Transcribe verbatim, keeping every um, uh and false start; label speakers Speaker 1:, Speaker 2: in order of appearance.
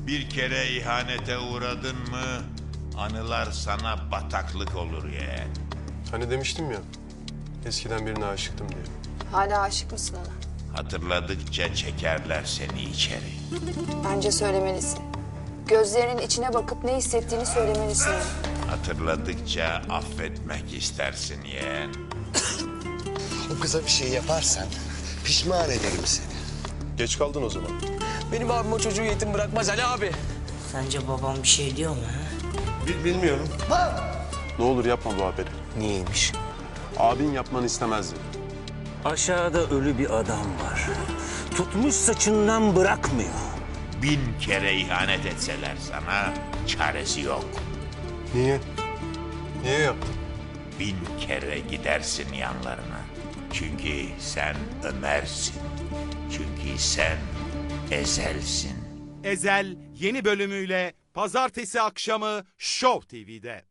Speaker 1: Bir kere ihanete uğradın mı anılar sana bataklık olur yeğen.
Speaker 2: Hani demiştim ya, eskiden birine aşıktım diye.
Speaker 3: Hala aşık mısın ona?
Speaker 1: Hatırladıkça çekerler seni içeri.
Speaker 3: Bence söylemelisin. Gözlerinin içine bakıp ne hissettiğini söylemelisin ona.
Speaker 1: Hatırladıkça affetmek istersin yeğen.
Speaker 4: O kıza bir şey yaparsan pişman ederim seni.
Speaker 2: Geç kaldın o zaman.
Speaker 5: Benim abim o çocuğu yetim bırakmaz Ali abi.
Speaker 6: Sence babam bir şey diyor mu ha?
Speaker 4: Bil, bilmiyorum.
Speaker 2: Ne olur yapma bu haberi.
Speaker 4: Niyeymiş?
Speaker 2: Abin yapmanı istemezdi.
Speaker 7: Aşağıda ölü bir adam var. Tutmuş saçından bırakmıyor.
Speaker 1: Bin kere ihanet etseler sana çaresi yok.
Speaker 2: Niye? Niye yaptın?
Speaker 1: Bin kere gidersin yanlarına. Çünkü sen Ömer'sin. Çünkü sen Ezel'sin.
Speaker 8: Ezel yeni bölümüyle pazartesi akşamı Show T V'de.